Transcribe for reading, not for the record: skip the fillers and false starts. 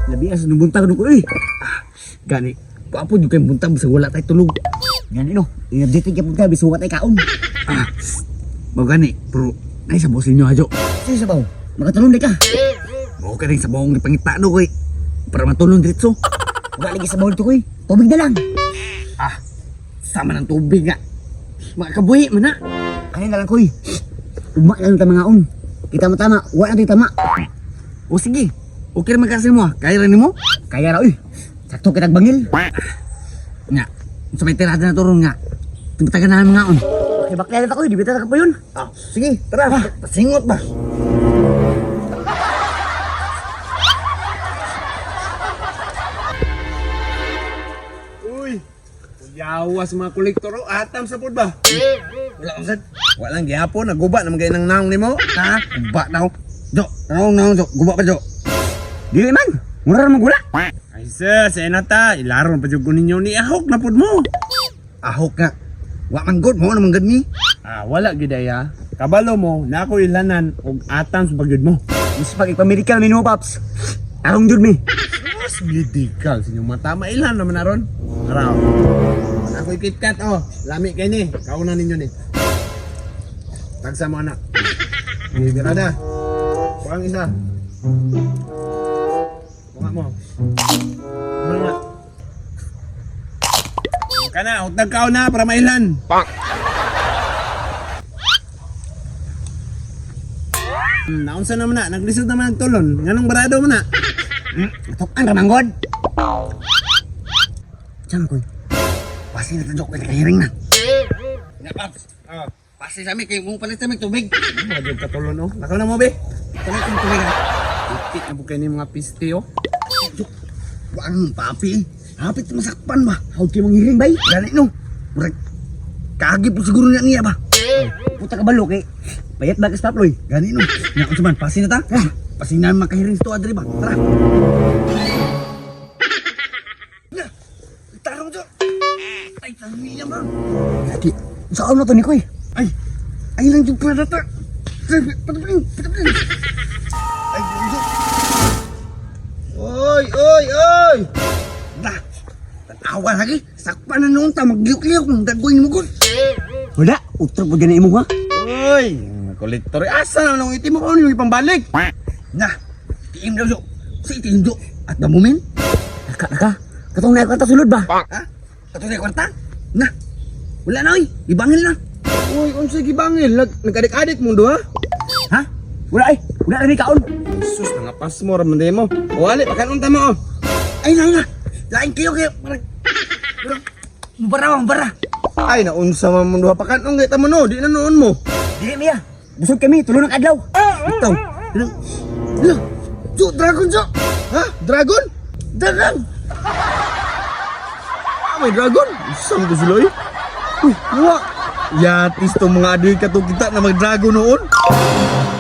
Labi as nubuntang ko eh. Gani. Papo juga yung buntang bisa wala tayo tulog. Gani no. I-update ka pud ka bisa wala tayo kaon. Mau gani, bro. Nay sa boss ninyo ajo. Sige sabaw. Makatulong di ka. Mau ka rin sa bawang ipangita no koy. Para matulong diretso. Wala lagi sa bawang to koy. Tubig na lang. Sama ng tubig nga. Makabuhi man na. Kaya na lang koy. Ugma lang ta mga on. Kita tama, wala natin tama. O sige. Okay naman kasi mo Kaya rin mo? Kaya ra uy. Sakto kitag bangil. Nga. Sa may tirada na turon nga. Timatagan na mga on. Okay, bakla na ako, di bita ka pa yun. Sige, tara. Pasingot ba? Uy, yawas mga kolektor o atam sa pod ba? Wala kang sad. Walang gihapon, naguba naman kayo ng naong ni mo. Ha? Guba na ako. Jo, naong, Jo. Guba pa, Jo. Dili man. Mura naman gula. Ay sir, sa inata, ilaron pa dyan ko ninyo ni ahok na pod mo. Ahok nga. Wa man good mo naman good ni. Wala gidaya. Kabalo mo, na ako ilanan og atam sa bagyod mo. Mas pag ipamedical minimo, Paps. Arong jud mi. Mas medical sa inyong mata, mailan naman naron. Araw. Ako ikitkat lami kayo ni, kauna ninyo ni. Tagsa mo anak. Birada. Pang isa. Bunga mo. Bunga. Kana, utag ka na para mailan. Naunsa naman na, naglisod naman ang tulon. Nganong barado mo na? Tukan ramang god. Diyan ko. Pasti na tadok ko kahiring na. Nga, Paps. Pasti sa amin kay mong palit sa amin tubig. Madyo ka tulon, Nakaw na mo, be. Palit sa tubig ha. Itik na po kayo ni mga piste, Wang papi. Hapit masakpan ba? Hawag kayo manghiring bay. Gani no. Murag kagi po siguro niya ba? Puta ka balo kay. Payat ba ka staploy? Gani no. Nga ko man pasin na ta. Pasin na makahiring to adre ba? Tara. Tarong jo. Ay tangmi ba? Lagi. Saan na to ni koy? Ay lang jud pa data. Patapin. Ay jo. Oy. Dah. Tanawa lagi. Sakpan na noon ta magyuk-lyuk ng dagoy mo kun. Wala, utro po dyan na imo ha? Uy, kolektor, asa na nung itim mo yung ipambalik? Nah, tiim daw jo. Si tiim jo. At the moment, naka. Katong na kwarta sulod ba? Ha? Katong na kwarta? Nah, wala na oy. Ibangil na. Uy, unsa gibangil? Nagadik-adik mo do ha? Ha? Wala ay. Wala na ni kaon. Sus, nangapas mo raman mo. Wali, pakanunta mo Ay na. Lain kayo. Mubara. Ay, naunsa man mo duha pakanong kita mo no, di na noon mo. Dili miya. Busog kami, tulong ng adlaw. Ito. Jo, dragon jo. Ha? Dragon? Dragon. May dragon? Isang ko sila eh. Uy, wala. Yatis to mga adoy ka to kita na mag-dragon noon.